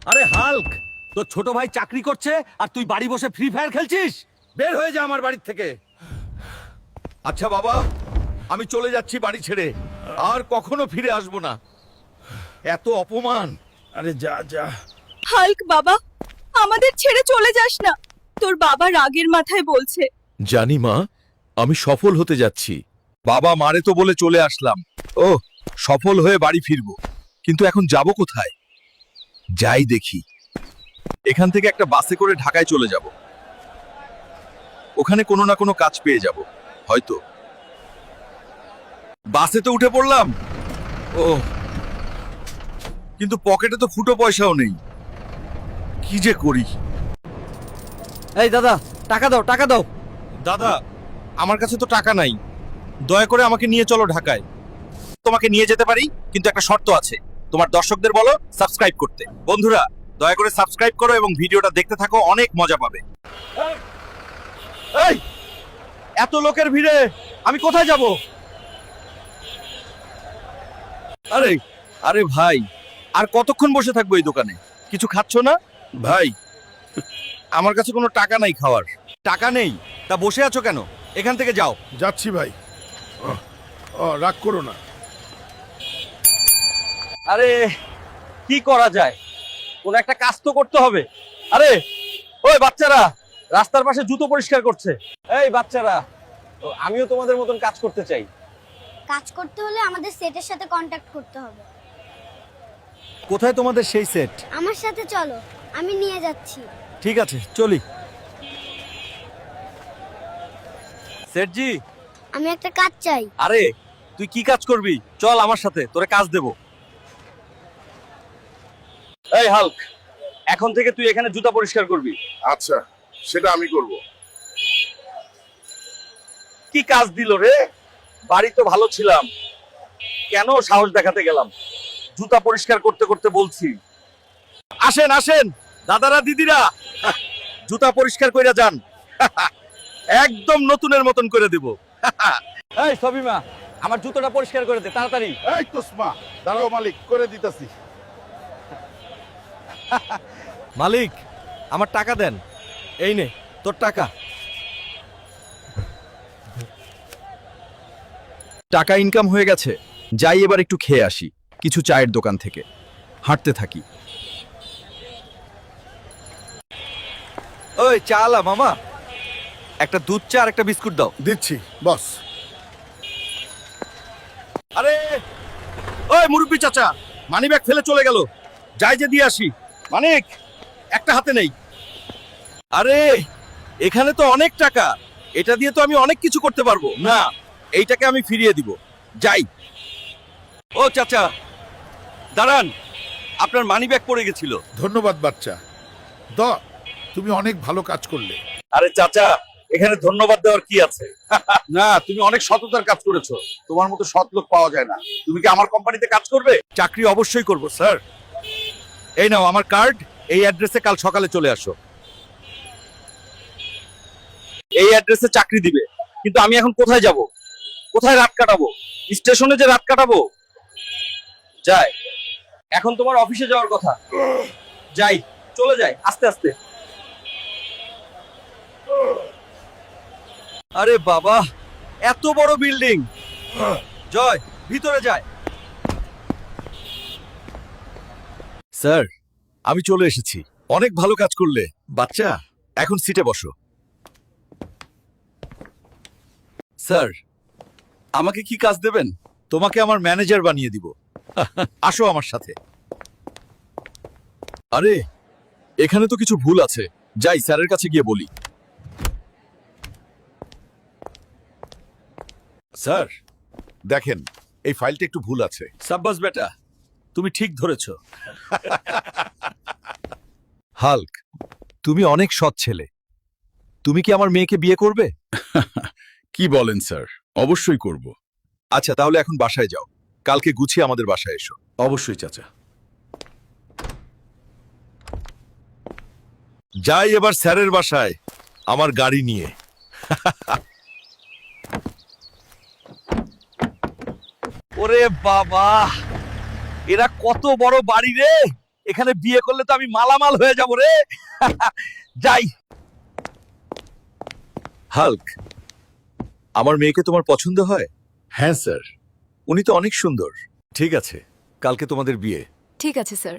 আরে হাল্ক, তোর ছোট ভাই চাকরি করছে আর তুই বাড়ি বসে ফ্রি ফায়ার খেলছিস? বের হয়ে যা আমার বাড়ির থেকে। আচ্ছা বাবা, আমি চলে যাচ্ছি বাড়ি ছেড়ে, আর কখনো ফিরে আসবো না। এত অপমান। আরে যা যা। হাল্ক বাবা, আমাদের ছেড়ে চলে যাস না। তোর বাবা রাগের মাথায় বলছে। জানি মা, আমি সফল হতে যাচ্ছি। বাবা মারে তো বলে চলে আসলাম। ও, সফল হয়ে বাড়ি ফিরবো, কিন্তু এখন যাব কোথায়? যাই দেখি। এখান থেকে একটা বাসে করে ঢাকায় চলে যাব। ওখানে কোনো না কোনো কাজ পেয়ে যাব হয়তো। বাসে তো উঠে পড়লাম। ও, কিন্তু পকেটে তো ফুটো পয়সাও নেই। কি যে করি। এই দাদা, টাকা দাও, টাকা দাও। দাদা, আমার কাছে তো টাকা নাই, দয়া করে আমাকে নিয়ে চলো ঢাকায়। তোমাকে নিয়ে যেতে পারি, কিন্তু একটা শর্ত আছে। তোমার দর্শকদের বলো সাবস্ক্রাইব করতে। বন্ধুরা, দয়া করে সাবস্ক্রাইব করো এবং ভিডিওটা দেখতে থাকো, অনেক মজা পাবে। এই, এত লোকের ভিড়ে আমি কোথায় যাব? আরে আরে ভাই, আর কতক্ষণ বসে থাকবো এই দোকানে? কিছু খাচ্ছ না ভাই? আমার কাছে কোনো টাকা নাই খাওয়ার। টাকা নেই? তা বসে আছো কেন? এখান থেকে যাও। যাচ্ছি ভাই। রাগ করো না। আরে কি করা যায়, কোন একটা কাজ তো করতে হবে। আরে ওই বাচ্চারা রাস্তার পাশে জুতো পরিষ্কার করছে। এই বাচ্চারা, আমিও তোমাদের মতন কাজ করতে চাই। কাজ করতে হলে আমাদের সেটের সাথে কন্ট্যাক্ট করতে হবে। কোথায় তোমাদের সেই সেট? আমার সাথে চলো, আমি নিয়ে যাচ্ছি। ঠিক আছে, চলি। সেটজি, আমি একটা কাজ চাই। আরে তুই কি কাজ করবি? চল আমার সাথে, তোরে কাজ দেব। এই হাল্ক, এখন থেকে তুই এখানে জুতা পরিষ্কার করবি। আচ্ছা, সেটা আমি করব। কি কাজ দিল রে? বাড়ি তো ভালো ছিলাম, কেন সাহস দেখাতে গেলাম? জুতা পরিষ্কার করতে করতে বলছি। আসেন আসেন দাদারা দিদিরা, জুতা পরিষ্কার কইরা যান। একদম নতুনের মতন করে দেব। এই সবিমা, আমার জুতোটা পরিষ্কার করে দে তাড়াতাড়ি। এই তোসমা, দাঁড়াও মালিক, করে দিতেছি। মালিক, আমার টাকা দেন। এই নে তোর টাকা। টাকা ইনকাম হয়ে গেছে, যাই এবার একটু খেয়ে আসি কিছু চায়ের দোকান থেকে। হাঁটতে থাকি। ওই চালা মামা, একটা দুধ চা আর একটা বিস্কুট দাও। দিচ্ছি বস। আরে ওই মুরব্বি চাচা, মানি ব্যাগ ফেলে চলে গেল, যাই যে দিয়ে আসি। মানিক, একটা হাতে নেই। আরে এখানে তো অনেক টাকা, এটা দিয়ে তো আমি অনেক কিছু করতে পারবো। না, এইটাকে আমি ফিরিয়ে দিব। যাই। ও চাচা দাঁড়ান, আপনার মানি ব্যাগ পড়ে গেছিল। ধন্যবাদ বাচ্চা। তুমি অনেক ভালো কাজ করলে। আরে চাচা, এখানে ধন্যবাদ দেওয়ার কি আছে? না, তুমি অনেক সততার কাজ করেছো। তোমার মতো সৎ লোক পাওয়া যায় না। তুমি কি আমার কোম্পানিতে কাজ করবে? চাকরি অবশ্যই করব স্যার। এই নাও আমার কার্ড, এই অ্যাড্রেসে কাল সকালে চলে আসো। এই অ্যাড্রেসে চাকরি দিবে, কিন্তু আমি এখন কোথায় যাব? কোথায় রাত কাটাবো? স্টেশনে যে রাত কাটাবো? যাই, এখন তোমার অফিসে যাওয়ার কথা। যাই, চলে যাই আস্তে আস্তে। আরে বাবা, এত বড় বিল্ডিং। জয়, ভিতরে যায়। স্যার, আমি চলে এসেছি। অনেক ভালো কাজ করলে বাচ্চা। এখন সিটে বসো। স্যার, আমাকে কি কাজ দেবেন? তোমাকে আমার ম্যানেজার বানিয়ে দিব। আসো আমার সাথে। আরে এখানে তো কিছু ভুল আছে, যাই স্যারের কাছে গিয়ে বলি। স্যার দেখেন, এই ফাইলটা একটু ভুল আছে। সাব্বাস বেটা, তুমি ঠিক ধরেছ। হাল্ক, তুমি অনেক সৎ ছেলে। তুমি কি আমার মেয়েকে বিয়ে করবে? কি বলেন স্যার, অবশ্যই করব। আচ্ছা, তাহলে এখন বাসায় যাও, কালকে গুছিয়ে আমাদের বাসায় এসো। অবশ্যই চাচা। যাই এবার স্যারের বাসায় আমার গাড়ি নিয়ে। ওরে বাবা, এরা কত বড় বাড়ি রে! এখানে বিয়ে করলে তো আমি মালামাল হয়ে যাব রে। যাই। হাল্ক, আমার মেয়েকে তোমার পছন্দ হয়? হ্যাঁ স্যার। উনি তো অনেক সুন্দর। ঠিক আছে, কালকে তোমাদের বিয়ে। ঠিক আছে স্যার।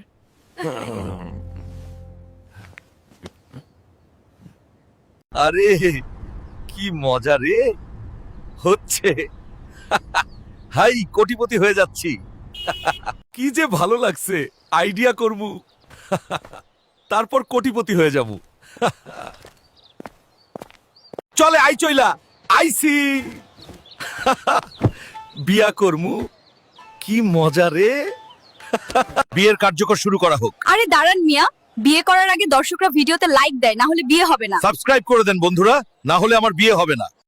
আরে কি মজা রে হচ্ছে। হাই, কোটিপতি হয়ে যাচ্ছি। কি যে ভালো লাগছে, আইডিয়া করমু। তারপর কোটিপতি হয়ে যাবো। চলে আই চইলা আইসি। বিয়া করমু, কি মজা রে। বিয়ের কার্যকর শুরু করা হোক। আরে দাঁড়ান মিয়া, বিয়ে করার আগে দর্শকরা ভিডিওতে লাইক দেয়, না হলে বিয়ে হবে না। সাবস্ক্রাইব করে দেন বন্ধুরা, না হলে আমার বিয়ে হবে না।